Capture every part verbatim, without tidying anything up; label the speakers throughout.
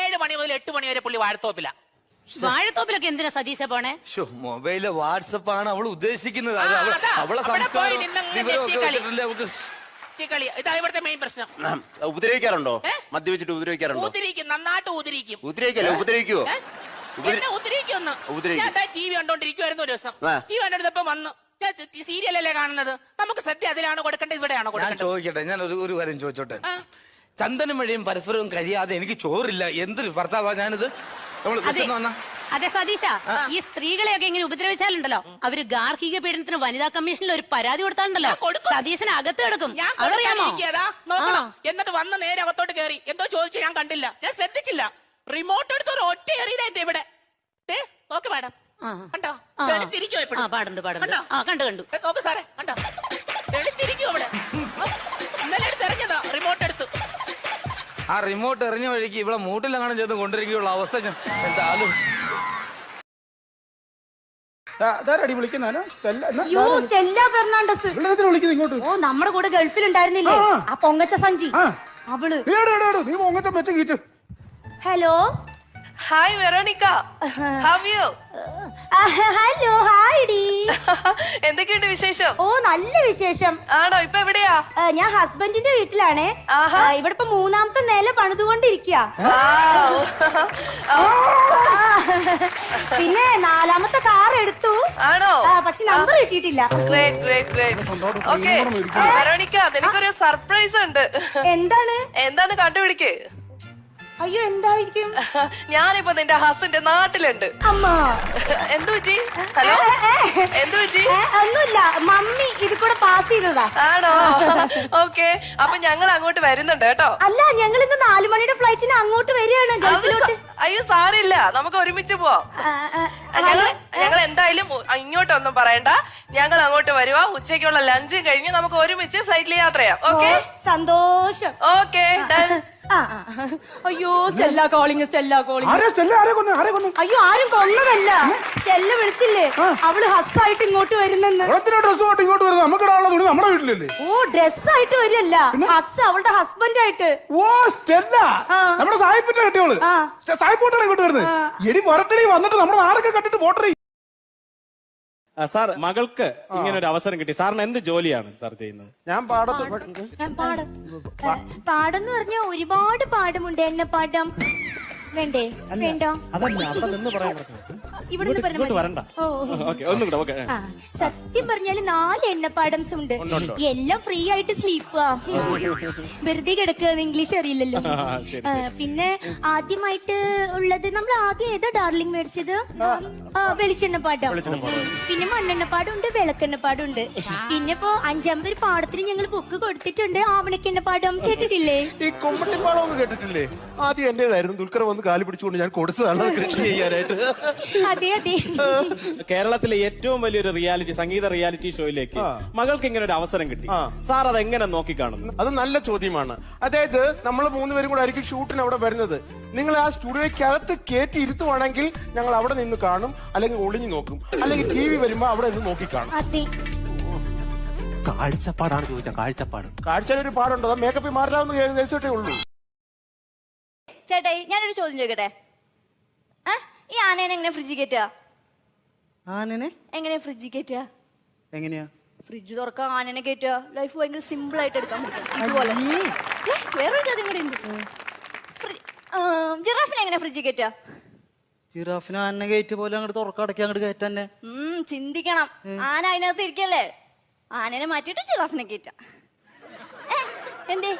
Speaker 1: ഏഴ് മണി മുതൽ എട്ട് മണി വരെ പുള്ളി വാഴത്തോപ്പില.
Speaker 2: വാഴത്തോപ്പിലൊക്കെ എന്തിനാ സതീശ പോണേ?
Speaker 3: മൊബൈലിലെ വാട്സപ്പ് ആണ് അവള് ഉദ്ദേശിക്കുന്നത്. അവളെ സംസ്കാരം
Speaker 1: ഇതാ ഇവിടുത്തെ മെയിൻ പ്രശ്നം.
Speaker 4: ഉപദ്രവിക്കാറുണ്ടോ? മദ്യപിച്ചിട്ട് ഉപദ്രവിക്കാറുണ്ടോ?
Speaker 1: ഉപദ്രവിക്കും, നന്നായിട്ട് ഉപദ്രവിക്കും.
Speaker 4: ഉപദ്രവിക്കല്ലേ? ഉപദ്രവിക്കുവോ?
Speaker 1: ഉപദ്രവിക്കൊന്ന്. ഞാൻ ടി വി കണ്ടോണ്ടിരിക്കുവായിരുന്നു ഒരു ദിവസം. ടി വി കണ്ടെടുത്തപ്പോ വന്ന് സീരിയലല്ലേ കാണുന്നത്, നമുക്ക് സത്യം അതിലാണോ കൊടുക്കേണ്ടത് ഇവിടെയാണോ കൊടുക്കേണ്ടത്?
Speaker 3: ചോദിക്കട്ടെ, ഞാൻ ഒരു കാര്യം ചോദിച്ചോട്ടെ. ചന്ദനം വഴിയും പരസ്പരവും കഴിയാതെ എനിക്ക് ചോറില്ല, എന്തൊരു ഭർത്താവാ ഞാനിത്.
Speaker 2: അതെ സതീശ, ഈ സ്ത്രീകളെയൊക്കെ ഇങ്ങനെ ഉപദ്രവിച്ചാലുണ്ടല്ലോ, അവര് ഗാർഹിക പീഡനത്തിന് വനിതാ കമ്മീഷനിൽ ഒരു പരാതി കൊടുത്താലുണ്ടല്ലോ, സതീശന് അകത്ത് കിടക്കും. അതറിയാമോ?
Speaker 1: എന്നിട്ട് വന്ന് നേരെ അകത്തോട്ട് കയറി എന്തോ ചോദിച്ചു, ഞാൻ കണ്ടില്ല, ഞാൻ ശ്രദ്ധിച്ചില്ല. റിമോട്ട് എടുത്ത് ഒരു ഒറ്റ എറിയതായിട്ട് ഇവിടെ നോക്ക് മാഡം, കണ്ടോ?
Speaker 2: പാടുണ്ട് പാടുണ്ട് കണ്ടു കണ്ടു
Speaker 1: നോക്ക് സാറേ, കണ്ടോ? തെളിത്തിരിക്കും അവിടെ. ഇന്നലെ എടുത്ത് എറിഞ്ഞതാ റിമോട്ട് എടുത്ത്.
Speaker 3: ആ റിമോട്ട് എറിഞ്ഞ വഴിക്ക് ഇവിടെ മൂട്ടിലെങ്ങാനും ചെന്ന് കൊണ്ടിരിക്കുകയുള്ള അവസ്ഥ ഞാൻ എന്തായാലും.
Speaker 2: ഓ, നമ്മുടെ കൂടെ ഗൾഫിൽ ഉണ്ടായിരുന്നില്ലേ ആ പൊങ്ങച്ച സഞ്ചി, അവള്. Hello
Speaker 5: hi Veronica, how you?
Speaker 2: Hello hi ഡി.
Speaker 5: എന്തൊക്കെയുണ്ട് വിശേഷം?
Speaker 2: ഓ നല്ല വിശേഷം.
Speaker 5: ആണോ? ഇപ്പൊ എവിടെയാ?
Speaker 2: ഞാൻ ഹസ്ബൻഡിന്റെ വീട്ടിലാണേ. ഇവിടെ ഇപ്പൊ മൂന്നാമത്തെ നില പണിതുകൊണ്ടിരിക്കുക. പിന്നെ നാലാമത്തെ കാർ എടുത്തു.
Speaker 5: ആണോ?
Speaker 2: പക്ഷെ നമ്പർ കിട്ടിയിട്ടില്ല.
Speaker 5: ഓക്കെ വെറോണിക്ക, നിനക്കൊരു സർപ്രൈസ് ഉണ്ട്.
Speaker 2: എന്താണ്?
Speaker 5: എന്താന്ന് കണ്ടുപിടിക്ക്.
Speaker 2: അയ്യോ എന്തായിരിക്കും?
Speaker 5: ഞാനിപ്പോ നിന്റെ ഹസ്ബൻഡ് നാട്ടിലുണ്ട്.
Speaker 2: അമ്മ
Speaker 5: എന്തു പറ്റി? ഹലോ, എന്തു പറ്റി?
Speaker 2: ഒന്നുമില്ല, മമ്മി ഇത് കൂടെ പാസ് ചെയ്തതാ.
Speaker 5: ആണോ? ഓക്കെ, അപ്പൊ ഞങ്ങൾ അങ്ങോട്ട് വരുന്നുണ്ട് കേട്ടോ.
Speaker 2: അല്ല, ഞങ്ങൾ ഇന്ന് നാലു മണിയുടെ ഫ്ലൈറ്റിന് അങ്ങോട്ട് വരികയാണ് ഗൾഫിലോട്ട്.
Speaker 5: അയ്യോ സാരില്ല, നമുക്ക് ഒരുമിച്ച് പോവാം. ഞങ്ങൾ ഞങ്ങൾ എന്തായാലും ഇങ്ങോട്ടൊന്നും പറയണ്ട, ഞങ്ങൾ അങ്ങോട്ട് വരുവാ. ഉച്ചയ്ക്കുള്ള ലഞ്ചും കഴിഞ്ഞ് നമുക്ക് ഒരുമിച്ച് ഫ്ലൈറ്റിൽ യാത്ര ചെയ്യാം. ഓക്കെ?
Speaker 2: സന്തോഷം.
Speaker 5: Okay done.
Speaker 2: അയ്യോ സ്റ്റെല്ല കോളിങ്, സ്റ്റെല്ല കോളിങ്. അയ്യോ ആരും കൊന്നതല്ല, സ്റ്റെല്ല വിളിച്ചില്ലേ, അവള് ഹസ്സായിട്ട് ഇങ്ങോട്ട് വരുന്നെന്ന്.
Speaker 6: ഇങ്ങോട്ട് വരുന്നത് നമുക്ക് നമ്മുടെ വീട്ടിലല്ലേ?
Speaker 2: ഓ ഡ്രസ്സായിട്ട് വരില്ല, ഹസ് അവളുടെ ഹസ്ബൻഡ് ആയിട്ട്.
Speaker 6: ഓ സ്റ്റെല്ല, നമ്മുടെ സായിപ്പിന്റെ കെട്ടിയോള് സായിപ്പോട്ടാണ് ഇങ്ങോട്ട് വരുന്നത്. എടി പുറത്തടി വന്നിട്ട് നമ്മുടെ നാടൊക്കെ കണ്ടിട്ട് പോട്ടറി.
Speaker 7: സാർ, മകൾക്ക് ഇങ്ങനെ ഒരു അവസരം കിട്ടി. സാറിന് എന്ത് ജോലിയാണ് സാർ ചെയ്യുന്നത്?
Speaker 6: ഞാൻ പാടത്ത്
Speaker 2: പാടെന്ന് പറഞ്ഞാൽ ഒരുപാട് പാടമുണ്ട്. എണ്ണ പാടം വേണ്ടേ? വേണ്ടോ?
Speaker 7: അതല്ല, അവിടെ നിന്ന് പറയാൻ ഇങ്ങോട്ട് വരണ്ട. ഒന്നും കൂടെ. ഓക്കെ.
Speaker 2: സത്യം പറഞ്ഞാല് നാല് എണ്ണപ്പാടംസ് ഉണ്ട്, എല്ലാം ഫ്രീ ആയിട്ട് സ്ലീപ്പാ. വെറുതെ കിടക്കുക, ഇംഗ്ലീഷ് അറിയില്ലല്ലോ. പിന്നെ ആദ്യമായിട്ട് ഉള്ളത് നമ്മൾ ആദ്യം ഏതാ ഡാർലിംഗ് മേടിച്ചത്? വെളിച്ചെണ്ണപ്പാടം. പിന്നെ മണ്ണെണ്ണപ്പാടം ഉണ്ട്, വിളക്കെണ്ണപ്പാടം ഉണ്ട്. പിന്നെ ഇപ്പോ അഞ്ചാമതൊരു പാടത്തിന് ഞങ്ങൾ ബുക്ക് കൊടുത്തിട്ടുണ്ട്, ആവണക്കെണ്ണപ്പാടം. കേട്ടിട്ടില്ലേ?
Speaker 6: ഈ കൊമ്പട്ടിപ്പാടം ഒന്നും കേട്ടിട്ടില്ലേ? ആദ്യം എന്റേതായിരുന്നു, ദുൽഖർ വന്ന് കാല് പിടിച്ചുകൊണ്ട് ഞാൻ കൊടുത്തതാണ് കൃഷി ചെയ്യാനായിട്ട്.
Speaker 2: അതെ അതെ.
Speaker 7: കേരളത്തിലെ ഏറ്റവും വലിയൊരു റിയാലിറ്റി സംഗീത റിയാലിറ്റി ഷോയിലേക്ക് മകൾക്ക് ഇങ്ങനെ ഒരു അവസരം കിട്ടി. സാർ അത് എങ്ങനെ നോക്കിക്കാണുന്നു?
Speaker 6: അത് നല്ല ചോദ്യമാണ്. അതായത് നമ്മൾ മൂന്നുപേരും കൂടെ ആയിരിക്കും ഷൂട്ടിന് അവിടെ വരുന്നത്. നിങ്ങൾ ആ സ്റ്റുഡിയോയ്ക്കകത്ത് കയറ്റി ഇരുത്തുവാണെങ്കിൽ ഞങ്ങൾ അവിടെ നിന്ന് കാണും, അല്ലെങ്കിൽ ഒളിഞ്ഞു നോക്കും, അല്ലെങ്കിൽ ടി വി വരുമ്പോ അവിടെ നിന്ന് നോക്കി കാണും.
Speaker 7: കാഴ്ചപ്പാടാണ് ചോദിച്ച. കാഴ്ചപ്പാട്
Speaker 6: കാഴ്ചയിലൊരു പാടുണ്ടോ? മേക്കപ്പ് മാറാവുന്ന കേസോട്ടേ ഉള്ളൂ.
Speaker 8: ചേട്ടായി, ഞാനൊരു ചോദ്യം ചോദിക്കട്ടെ. ഈ ആനേനെ എങ്ങനെ ഫ്രിഡ്ജ് കയറ്റുക?
Speaker 9: ആനനെ
Speaker 8: എങ്ങനെ ഫ്രിഡ്ജ് കയറ്റുക?
Speaker 9: എങ്ങനെയാ
Speaker 8: ഫ്രിഡ്ജ് തുറക്കാൻ ആനനെ കയറ്റുക? ലൈഫ് ഭയങ്കര സിമ്പിൾ ആയിട്ട് എടുക്കാൻ പറ്റും. ഇതുപോലെ വേറൊരു ചോദ്യം കൂടെ ഉണ്ട്. ജിറാഫിനെ എങ്ങനെ ഫ്രിഡ്ജ് കയറ്റുക?
Speaker 9: ജിറാഫിന് ആന കയറ്റ് പോലെ അങ്ങോട്ട് തുറക്കടക്കി അങ്ങോട്ട് കയറ്റന്നെ.
Speaker 8: ഉം ചിന്തിക്കണം. ആന അതിനകത്ത് ഇരിക്കല്ലേ, ആനനെ മാറ്റിയിട്ട് ജിറാഫിനെ കയറ്റുക. എന്തേ?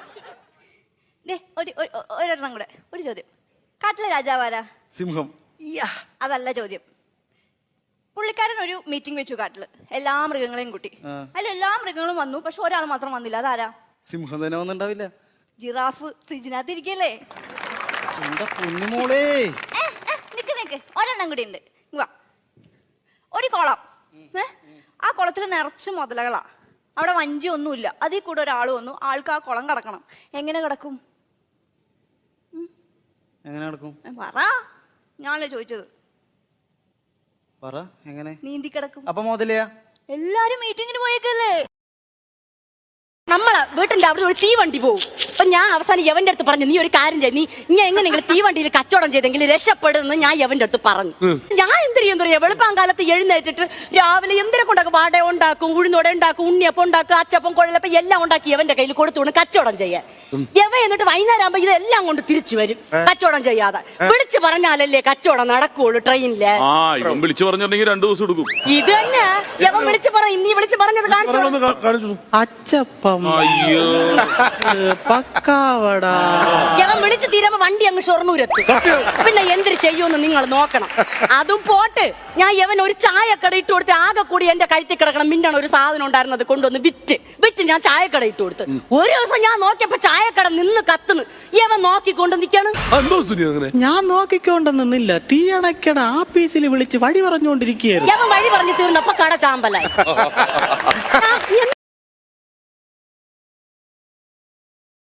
Speaker 8: ഒരെണ്ണം കൂടെ, ഒരു ചോദ്യം. കാട്ടിലെ രാജാവാരാ?
Speaker 7: സിംഹം.
Speaker 8: അതല്ല ചോദ്യം. പുള്ളിക്കാരൻ ഒരു മീറ്റിംഗ് വെച്ചു കാട്ടില്, എല്ലാ മൃഗങ്ങളെയും കൂട്ടി. അതിൽ എല്ലാ മൃഗങ്ങളും വന്നു, പക്ഷെ ഒരാൾ മാത്രം വന്നില്ല. അതാരാ?
Speaker 9: സിംഹം തന്നെ വന്നിണ്ടാവില്ല.
Speaker 8: ജിറാഫ് ഫ്രിഡ്ജിനകത്ത് ഇരിക്കല്ലേ. നിക്ക് നിക്ക്, ഒരെണ്ണം കൂടി ഉണ്ട്. ഒരു കുളം, ആ കുളത്തിൽ നിറച്ച് മുതലകളാ. അവിടെ വഞ്ചി ഒന്നുമില്ല, അതിൽ കൂടെ ഒരാൾ വന്നു, ആൾക്ക് ആ കുളം കടക്കണം. എങ്ങനെ കിടക്കും?
Speaker 9: എങ്ങനെ കിടക്കും?
Speaker 8: പറ, ഞാനല്ലേ ചോദിച്ചത്.
Speaker 9: പറ, എങ്ങനെ?
Speaker 8: നീന്തി കിടക്കും.
Speaker 9: അപ്പൊ മുതലയാ?
Speaker 8: എല്ലാരും മീറ്റിങ്ങിന് പോയേക്കല്ലേ.
Speaker 10: നമ്മളെ വീട്ടിന്റെ അവിടെ ഒരു തീവണ്ടി പോകും. അപ്പൊ ഞാൻ അവസാനം യവന്റെ അടുത്ത് പറഞ്ഞു, നീ ഒരു കാര്യം ചെയ്യ, നീ ഇങ്ങനെ എങ്ങനെയെങ്കിലും തീവണ്ടിയിൽ കച്ചവടം ചെയ്തെങ്കിൽ രക്ഷപ്പെടുമെന്ന് ഞാൻ യവന്റെ അടുത്ത് പറഞ്ഞു. ഞാൻ എന്തിനും എന്താ പറയാ, വെളുപ്പാങ്കാലത്ത് എഴുന്നേറ്റിട്ട് രാവിലെ എന്തിനെ കൊണ്ടാക്കും, വട ഉണ്ടാക്കും, ഉഴുന്നോട ഉണ്ടാക്കും, ഉണ്ണിയപ്പം ഉണ്ടാക്കും, അച്ചപ്പം കുഴലപ്പം എല്ലാം ഉണ്ടാക്കി യവന്റെ കയ്യിൽ കൊടുത്തു കൊണ്ട് കച്ചവടം ചെയ്യാൻ. യവ എന്നിട്ട് വൈകുന്നേരം ആകുമ്പോ ഇതെല്ലാം കൊണ്ട് തിരിച്ചു വരും, കച്ചവടം ചെയ്യാതെ. വിളിച്ചു പറഞ്ഞാലല്ലേ കച്ചവടം നടക്കുള്ളൂ ട്രെയിനില്.
Speaker 11: വിളിച്ചു പറഞ്ഞിട്ടുണ്ടെങ്കിൽ രണ്ടു ദിവസം എടുക്കും.
Speaker 10: ഇത് തന്നെ യവൻ വിളിച്ചു പറയും, നീ വിളിച്ചു പറഞ്ഞത് കാണിച്ചു.
Speaker 9: അച്ചപ്പം, പക്കാവട.
Speaker 10: യവൻ വിളിച്ചു തീരുമ്പോ വണ്ടി അങ്ങ് ഷൊർണൂരെത്തും. പിന്നെ എന്തിനു ചെയ്യുമെന്ന് നിങ്ങൾ നോക്കണം. അതും പോട്ട്, ഞാൻ യവൻ ഒരു ചായക്കട ഇട്ട് കൊടുത്ത് ആകെ കൂടി എന്റെ കഴുത്തിൽ കിടക്കണം മിന്നാണ് ഒരു സാധനം ഉണ്ടായിരുന്നത് കൊണ്ടുവന്ന് വിറ്റ് വിറ്റ് ഞാൻ ചായക്കട ഇട്ട് കൊടുത്ത്. ഒരു ദിവസം ഞാൻ നോക്കിയപ്പോ ചായക്കട നിന്ന് കത്തുന്നു. യവൻ നോക്കിക്കൊണ്ട് നിൽക്കണം.
Speaker 9: ഞാൻ നോക്കിക്കൊണ്ട് നിന്നില്ല, തീ അണയ്ക്കണ ആപ്പീസിൽ വിളിച്ച് വഴി പറഞ്ഞുകൊണ്ടിരിക്കുകയായിരുന്നു.
Speaker 10: യവൻ വഴി പറഞ്ഞു തീർന്നപ്പോ കട ചാമ്പലായി.